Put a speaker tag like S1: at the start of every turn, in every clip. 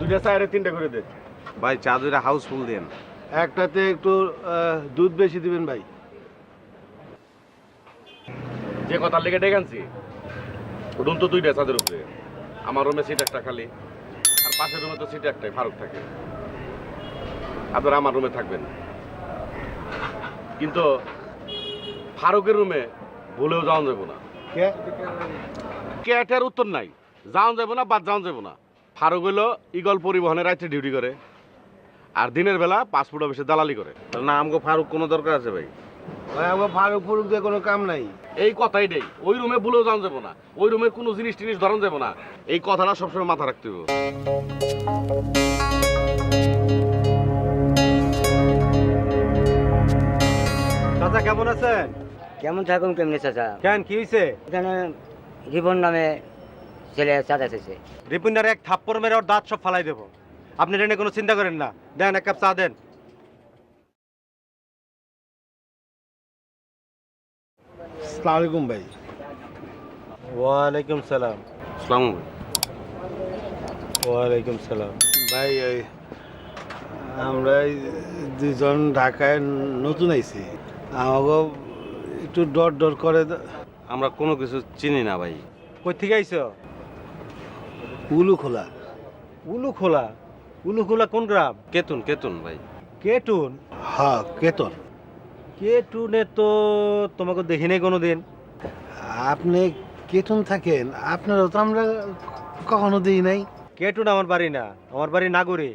S1: দুইটা চায়ের তিনটা করে দে।
S2: ভাই চা দুইটা হাউসফুল দেন।
S3: একটাতে একটু দুধ বেশি দিবেন ভাই।
S1: যে কথার লেগে ডেকে আনছি রুম তো দুইটা চাঁদের উপরে। আমার রুমে সিট একটা খালি, আর পাশের রুমে তো সিট একটাই, ফারুক থাকে। আপনারা আমার রুমে থাকবেন, কিন্তু ফারুকের রুমে ভুলেও যাওয়া যাবো না। ক্যাটের উত্তর নাই, যাওয়া যাবো না, বাদ যাওয়া যাবো না। ফারুক হইলো ইগল পরিবহনের রাত্রে ডিউটি করে, আর দিনের বেলা পাসপোর্ট অফিসে দালালি করে।
S2: না আমগো ফারুক কোনো দরকার আছে ভাই?
S3: ভাই আমার ফারুক ফুরুক দিয়ে কোনো কাম নাই।
S1: এই কথাই নেই, ওই রুমে ভুলেও যাওয়া যাবো না, ওই রুমের কোনো জিনিস টিনিস ধরন যাবো না। এই কথাটা সবসময় মাথা রাখতে হবে।
S4: চাচা কেমন আছেন?
S5: কেমন থাকুন কেমনি চাচা?
S4: কেন কি হয়েছে?
S5: এখানে রিপন নামে ছেলে চাচা এসেছে।
S4: রিপুন্ডার এক থাপ্পড় মেরে ওর দাঁত সব ফালাই দেবো। আপনি এটা নিয়ে কোনো চিন্তা করেন না। দেন এক কাপ চা দেন।
S3: আসসালামু আলাইকুম ভাই।
S4: ওয়ালাইকুম সালাম।
S2: আসসালামু
S4: ওয়ালাইকুম সালাম।
S3: ভাই ওই আমরা এই দুজন ঢাকায় নতুন আইছি, আমাকে একটু ডর ডর করে।
S2: আমরা কোনো কিছু চিনি না ভাই।
S4: কই থেকে আইছো?
S3: উলু খোলা।
S4: উলু খোলা? উলু খোলা কোন গ্রাম?
S2: কেতুন কেতুন ভাই।
S4: কেটুন?
S3: হ্যাঁ কেতন।
S4: কেটুনে তো তোমাকে দেখি নাই কোনোদিন।
S3: আপনি কেতন থাকেন, আপনারও তো আমরা কখনো দিই নাই।
S4: কেটুন আমার বাড়ি না, আমার বাড়ি নাগরে।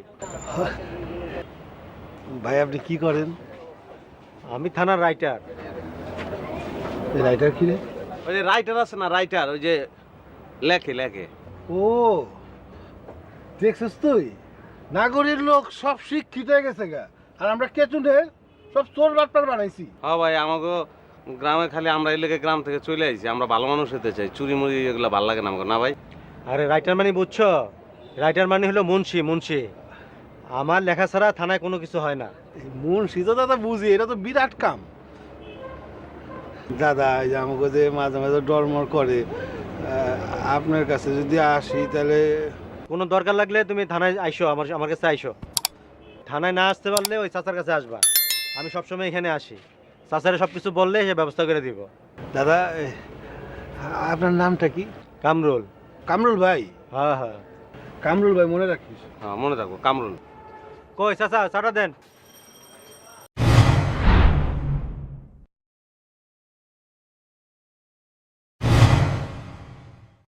S3: ভাই আপনি কি করেন?
S4: আমি থানার রাইটার।
S3: রাইটার কি রে?
S2: ওই যে রাইটার আছে না, রাইটার, ওই যে লেখে লেখে।
S3: ও দেখছিস তুই, নাগরের লোক সব শিক্ষিত হয়ে গেছে গা, আর আমরা কেতুনের সব চোর বাটপার বানাইছি।
S2: হ্যাঁ ভাই, আমাকে গ্রামে খালি আমরা এই লেগে গ্রাম থেকে চলে আইছি। আমরা ভালো মানুষ হতে চাই, চুরি মুড়ি এগুলো ভালো লাগে না আমাকে, না ভাই?
S4: আরে রাইটার মানে বুঝছো? রাইটার মানে হলো মুন্সি। মুন্সি আমার লেখা ছাড়া থানায় কোনো কিছু হয় না।
S3: মুন্সি তো দাদা বুঝি, এটা তো বিরাট কাম। দাদা এই যে আমাকে যে মাঝে মাঝে ডরমর করে, আপনার কাছে যদি আসি তাহলে।
S4: কোনো দরকার লাগলে তুমি থানায় আইসো, আমার কাছে আইসো। থানায় না আসতে পারলে ওই চাচার কাছে আসবা। আমি সবসময় এখানে আসি। চাচারে সব কিছু বললে সে ব্যবস্থা করে দিব।
S3: দাদা আপনার নামটা কি?
S4: কামরুল।
S3: কামরুল ভাই?
S4: হ্যাঁ হ্যাঁ।
S3: কামরুল ভাই মনে রাখিস।
S2: হ্যাঁ মনে থাকবো, কামরুল।
S4: কই চাচা চাটা দেন।